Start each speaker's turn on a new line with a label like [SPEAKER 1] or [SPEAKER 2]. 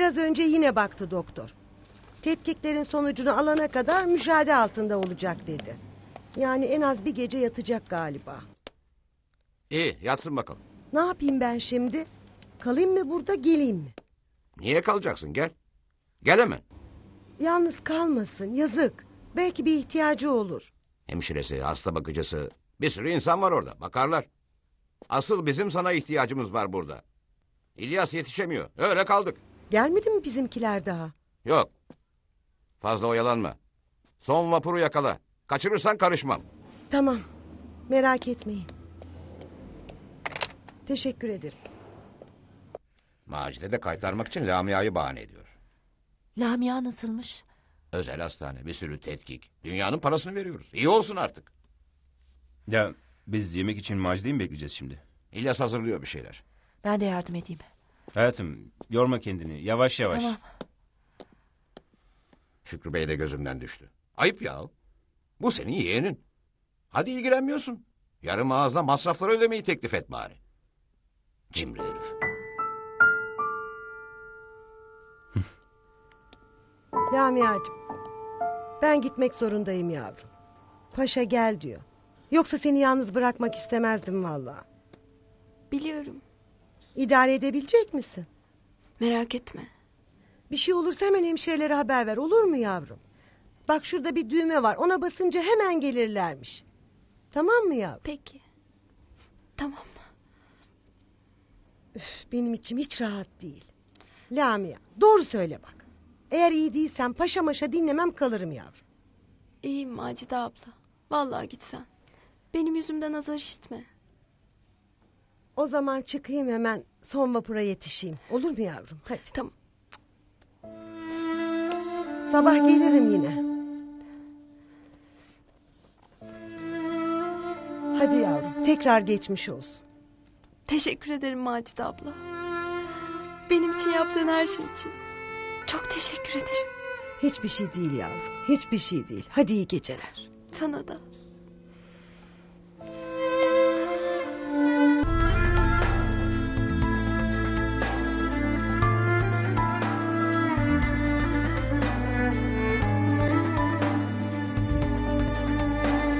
[SPEAKER 1] Biraz önce yine baktı doktor. Tetkiklerin sonucunu alana kadar müşahede altında olacak dedi. Yani en az bir gece yatacak galiba.
[SPEAKER 2] İyi, yatsın bakalım.
[SPEAKER 1] Ne yapayım ben şimdi? Kalayım mı burada, geleyim mi?
[SPEAKER 2] Niye kalacaksın, gel. Gel hemen.
[SPEAKER 1] Yalnız kalmasın, yazık. Belki bir ihtiyacı olur.
[SPEAKER 2] Hemşiresi, hasta bakıcısı, bir sürü insan var orada, bakarlar. Asıl bizim sana ihtiyacımız var burada. İlyas yetişemiyor, öyle kaldık.
[SPEAKER 1] Gelmedi mi bizimkiler daha?
[SPEAKER 2] Yok, fazla oyalanma. Son vapuru yakala. Kaçırırsan karışmam.
[SPEAKER 1] Tamam, merak etmeyin. Teşekkür ederim.
[SPEAKER 2] Macide de kaytarmak için Lamia'yı bahane ediyor.
[SPEAKER 3] Lamia nasılmış?
[SPEAKER 2] Özel hastane, bir sürü tetkik. Dünyanın parasını veriyoruz. İyi olsun artık.
[SPEAKER 4] Ya biz yemek için Macide'yi mi bekleyeceğiz şimdi?
[SPEAKER 2] İlyas hazırlıyor bir şeyler.
[SPEAKER 3] Ben de yardım edeyim.
[SPEAKER 4] Hayatım yorma kendini, yavaş yavaş.
[SPEAKER 3] Tamam.
[SPEAKER 2] Şükrü Bey de gözümden düştü. Ayıp ya. Bu senin yeğenin. Hadi ilgilenmiyorsun. Yarım ağızla masrafları ödemeyi teklif et bari. Cimri herif.
[SPEAKER 1] Lamia'cığım, ben gitmek zorundayım yavrum. Paşa gel diyor. Yoksa seni yalnız bırakmak istemezdim vallahi.
[SPEAKER 5] Biliyorum.
[SPEAKER 1] İdare edebilecek misin?
[SPEAKER 5] Merak etme.
[SPEAKER 1] Bir şey olursa hemen hemşirelere haber ver, olur mu yavrum? Bak şurada bir düğme var, ona basınca hemen gelirlermiş. Tamam mı yavrum?
[SPEAKER 5] Peki. Tamam.
[SPEAKER 1] Üf, benim içim hiç rahat değil. Lamia, doğru söyle bak. Eğer iyi değilsen paşa maşa dinlemem, kalırım yavrum.
[SPEAKER 5] İyiyim Macide abla. Vallahi gitsen. Benim yüzümden azar işitme.
[SPEAKER 1] O zaman çıkayım hemen, son vapura yetişeyim. Olur mu yavrum? Hadi.
[SPEAKER 5] Tamam.
[SPEAKER 1] Sabah gelirim yine. Hadi yavrum, tekrar geçmiş olsun.
[SPEAKER 5] Teşekkür ederim Macide abla. Benim için yaptığın her şey için. Çok teşekkür ederim.
[SPEAKER 1] Hiçbir şey değil yavrum, hiçbir şey değil. Hadi iyi geceler.
[SPEAKER 5] Sana da.